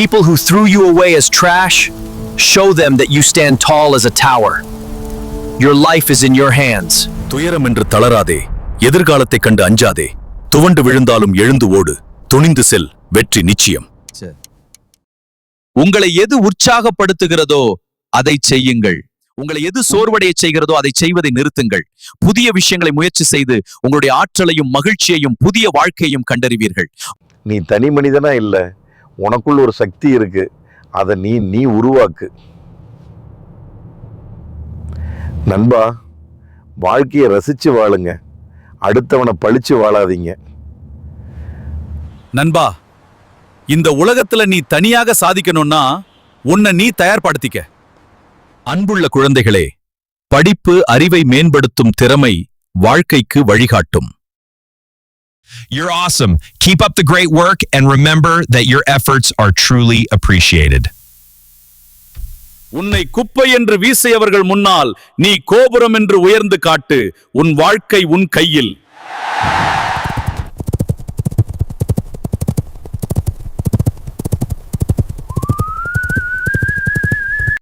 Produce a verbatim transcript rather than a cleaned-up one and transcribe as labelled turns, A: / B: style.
A: people who threw you away as trash, show them that you stand tall as a tower. Your life is in your hands.
B: துயரம் என்று தளராதே, எதிர்காலத்தை கண்டு அஞ்சாதே. துவண்டு விழுந்தாலும் எழுந்து ஓடு, துணிந்து செல், வெற்றி நிச்சயம்.
C: உங்களை எது உற்சாகப்படுத்துகிறதோ அதை செய்யுங்கள். உங்களை எது சோர்வடைய செய்கிறதோ அதை செய்வதை நிறுத்துங்கள். புதிய விஷயங்களை முயற்சி செய்து உங்களுடைய ஆற்றலையும் மகிழ்ச்சியையும் புதிய வாழ்க்கையும் கண்டறிவீர்கள்.
D: நீ தனி மனிதனா இல்ல, உனக்குள்ள ஒரு சக்தி இருக்கு, அதை நீ நீ உருவாக்கு. நண்பா, வாழ்க்கையை ரசிச்சு வாழுங்க, அடுத்தவனை பழிச்சு வாழாதீங்க.
B: நண்பா, இந்த உலகத்துல நீ தனியாக சாதிக்கணும்னா உன்னை நீ தயார்படுத்திக்க. அன்புள்ள குழந்தைகளே, படிப்பு அறிவை மேம்படுத்தும் திறமை வாழ்க்கைக்கு வழிகாட்டும்.
E: You're awesome. Keep up the great work and remember that your efforts are truly appreciated.
B: உன்னை குப்பை என்று வீசியவர்கள் முன்னால் நீ கோபுரம் என்று உயர்ந்து காட்டு. உன் வாழ்க்கை உன் கையில்.